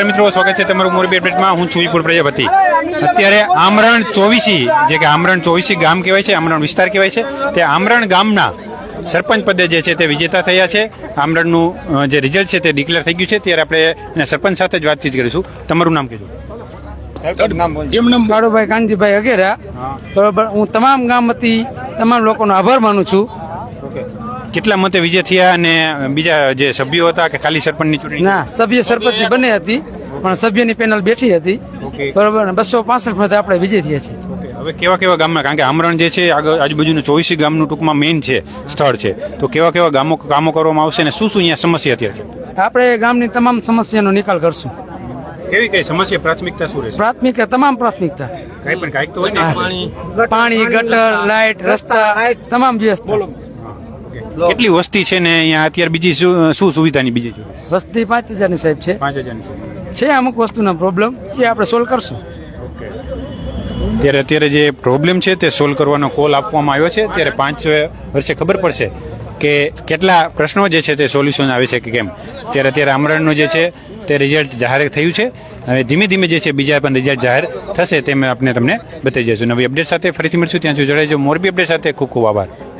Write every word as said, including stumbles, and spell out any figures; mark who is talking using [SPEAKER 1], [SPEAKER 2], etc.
[SPEAKER 1] નમસ્કાર મિત્રો, સ્વાગત છે તમારું મોરબી અપડેટમાં. હું છું વિપુલ પ્રજાપતિ. અત્યારે આમરણ ચોવીસી, જે કે આમરણ ચોવીસી ગામ કહેવાય છે, આમરણ વિસ્તાર કહેવાય છે, તે આમરણ ગામના સરપંચ પદે જે છે તે વિજેતા થયા છે. આમરણનું જે રિઝલ્ટ છે તે ડિક્લેર થઈ ગયું છે. ત્યારે આપણે એના સરપંચ સાથે જ વાતચીત કરીશું. તમારું નામ કહેજો.
[SPEAKER 2] એમનામ બાળુભાઈ કાનજીભાઈ અગેરા. બરોબર, હું તમામ ગામ વતી તમામ લોકોનો આભાર માનું છું.
[SPEAKER 1] કેટલા મતે વિજય થયા અને બીજા જે સભ્યો હતા કે ખાલી સરપંચની ચૂંટણી?
[SPEAKER 2] ના, સભ્ય સરપંચની બંને હતી, પણ સભ્યની પેનલ બેઠી હતી. બરોબર, બસો પાસઠ મતે આપણે વિજય થયા છીએ.
[SPEAKER 1] હવે કેવા કેવા ગામમાં, કારણ કે આમરણ જે છે આગળ આજુબાજુનું ચોવીસી ગામનું ટૂંકમાં મેઇન છે, સ્થળ છે, તો કેવા કેવા ગામો કામો કરવામાં આવશે અને શું શું અહીંયા સમસ્યા અત્યારે છે?
[SPEAKER 2] આપણે ગામની તમામ સમસ્યાનો નિકાલ કરશું.
[SPEAKER 1] કેવી કઈ સમસ્યા, પ્રાથમિકતા શું રહેશે?
[SPEAKER 2] પ્રાથમિકતા, તમામ પ્રાથમિકતા,
[SPEAKER 1] કઈ પણ કાંઈક તો હોય ને.
[SPEAKER 2] પાણી, ગટર, લાઇટ, રસ્તા, તમામ વ્યવસ્થા.
[SPEAKER 1] કેટલી વસ્તી છે ને અહીંયા અત્યારે? બીજી શું શું સુવિધાની બીજી છે?
[SPEAKER 2] વસ્તી પાંચ હજારની સાહેબ છે.
[SPEAKER 1] પાંચ હજારની છે.
[SPEAKER 2] છે અમુક વસ્તુના પ્રોબ્લેમ, એ આપણે સોલ્વ કરશું.
[SPEAKER 1] ત્યારે અત્યારે જે પ્રોબ્લેમ છે તે સોલ્વ કરવાનો કોલ આપવામાં આવ્યો છે. ત્યારે પાંચ વર્ષે ખબર પડશે કે કેટલા પ્રશ્નો જે છે તે સોલ્યુશન આવે છે કે કેમ. ત્યારે અત્યારે આમરણનું જે છે તે રિઝલ્ટ જાહેર થયું છે. હવે ધીમે ધીમે જે છે બીજા પણ રિઝલ્ટ જાહેર થશે, તે આપણે તમને બતાવી જઈશું. નવી અપડેટ સાથે ફરીથી મળશું. ત્યાં સુધી જોડાઈ જાઓ. મોરબી અપડેટ સાથે ખૂબ ખૂબ આભાર.